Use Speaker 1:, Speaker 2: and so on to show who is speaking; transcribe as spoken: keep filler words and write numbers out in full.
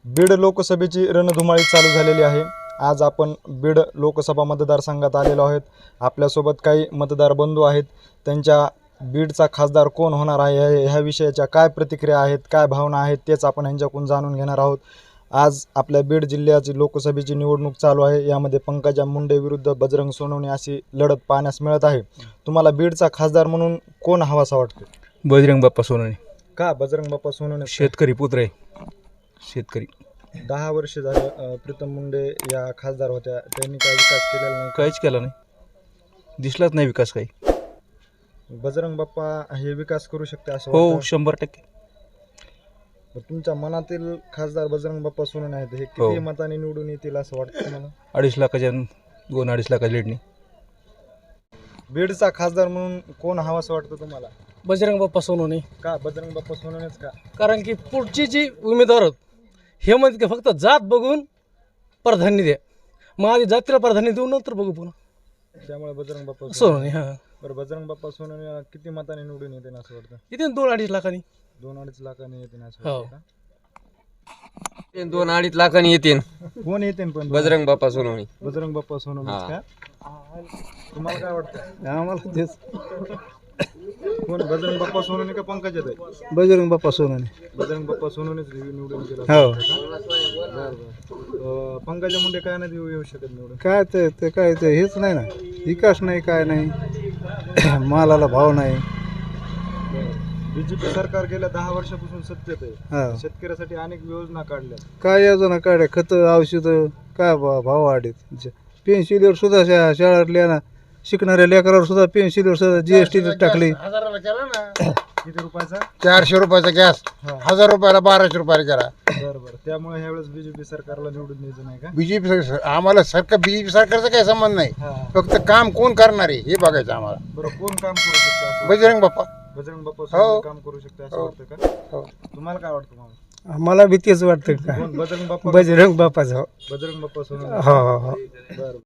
Speaker 1: बीड लोकसभेची रणधुमाळी चालू झालेली आहे। आज आपण बीड लोकसभा मतदारसंघात आलेलो आहोत। आपल्यासोबत काही मतदार बंधू आहेत। त्यांच्या बीडचा खासदार कोण होणार आहे ह्या विषयाच्या काय प्रतिक्रिया आहेत, काय भावना आहेत तेच आपण यांच्याकडून जाणून घेणार आहोत। आज आपल्या बीड जिल्ह्याची लोकसभेची निवडणूक चालू आहे। यामध्ये पंकजा मुंडे विरुद्ध बजरंग सोनवणे अशी लढत पाहण्यास मिळत आहे। तुम्हाला बीडचा खासदार म्हणून कोण हवासा वाटतो?
Speaker 2: बजरंग बाप्पा सोनवणे।
Speaker 1: का बजरंग बाप्पा सोनवणे?
Speaker 2: शेतकरी पुत्र आहे, शेतकरी।
Speaker 1: दहा वर्ष झाले प्रीतम मुंडे या खासदार होत्या, त्यांनी काय विकास केलेला नाही?
Speaker 2: काहीच केला नाही, दिसलाच नाही विकास काही।
Speaker 1: बजरंग बाप्पा हे विकास करू शकते असं
Speaker 2: हो,
Speaker 1: वाटतं?
Speaker 2: शंभर टक्के।
Speaker 1: तुमच्या मनातील खासदार बजरंग बाप्पा सोनवणे आहेत, हे
Speaker 2: हो.
Speaker 1: किती मताने निवडून येतील असं वाटतं तुम्हाला?
Speaker 2: अडीच लाखाच्या दोन अडीच लाखाच्या लीडनी।
Speaker 1: बीडचा खासदार म्हणून कोण हवासं वाटतं तुम्हाला?
Speaker 3: बजरंग बाप्पा सोनवणे।
Speaker 1: का बजरंग बाप्पा सोनवणेच का?
Speaker 3: कारण की पुढची जी उमेदवार आहेत, हे म्हणते की फक्त जात बघून प्राधान्य द्या, मग आधी जातीला प्राधान्य देऊ नंतर बघू पुन्हा।
Speaker 1: त्यामुळे बजरंग बाप्पा
Speaker 3: सोनवणे हां
Speaker 1: बरं, बजरंग बाप्पा सोनवणे किती मताने निवडून येते असं वाटतं?
Speaker 3: इथे दोन अडीच लाखांनी।
Speaker 1: दोन अडीच लाखाने येते असं
Speaker 3: हो.
Speaker 1: वाटतं का?
Speaker 4: दोन अडीच लाखांनी येतील
Speaker 1: कोण येते पण?
Speaker 4: बजरंग बाप्पा सोनवणे।
Speaker 1: बजरंग बाप्पा सोनवणेच का? तुम्हाला काय वाटतं?
Speaker 3: आम्हाला तेच
Speaker 1: कोण, बजरंग बाप्पा सोनवणे का पंकजा ताई?
Speaker 3: बजरंग बाप्पा सोनवणे।
Speaker 1: बजरंग बाप्पा सोनवणेच निवडून गेला?
Speaker 3: हो।
Speaker 1: पंकजा मुंडे काय नाही येऊ शकत निवडून?
Speaker 3: काय ते ते काय ते हेच नाही ना, विकास नाही, काय नाही, मालाला भाव नाही।
Speaker 1: बीजेपी सरकार गेल्या दहा वर्षापासून सत्तेत आहे,
Speaker 3: हा,
Speaker 1: शेतकऱ्यासाठी अनेक योजना काढल्या।
Speaker 3: काय योजना काढ्या, खतं औषधं काय भाव भाव वाढेत। पेन्सिलीवर सुद्धा शा शाळेतल्या ना शिकणाऱ्या लेकरावर सुद्धा पेन्सिलीवर सुद्धा जीएसटी टाकली।
Speaker 1: किती रुपयाचा?
Speaker 5: चारशे रुपयाचा गॅस हजार रुपयाला बाराशे रुपयाला करा।
Speaker 1: बरं बरं, त्यामुळे ह्यावेळेस बीजेपी सरकारला निवडून द्यायचं नाही का?
Speaker 5: बीजेपी आम्हाला सरकार बीजेपी सरकारचा काही संबंध नाही,
Speaker 1: हा.
Speaker 5: फक्त काम कोण करणार आहे हे बघायचं आम्हाला।
Speaker 1: बरं, कोण काम करू शकतं असं?
Speaker 5: बजरंग बाप्पा
Speaker 1: बजरंग बाप्पा
Speaker 5: हो.
Speaker 1: सोनवणे काम करू शकते असं
Speaker 5: हो.
Speaker 1: वाटतं का?
Speaker 5: हो.
Speaker 1: तुम्हाला काय वाटतं मामा?
Speaker 3: मला भीतीच वाटतं का
Speaker 1: कोण, बजरंग बाप्पा?
Speaker 3: बजरंग बाप्पाचं।
Speaker 1: बजरंग बाप्पा सोनवणे।
Speaker 3: हो हो हो
Speaker 1: बरं.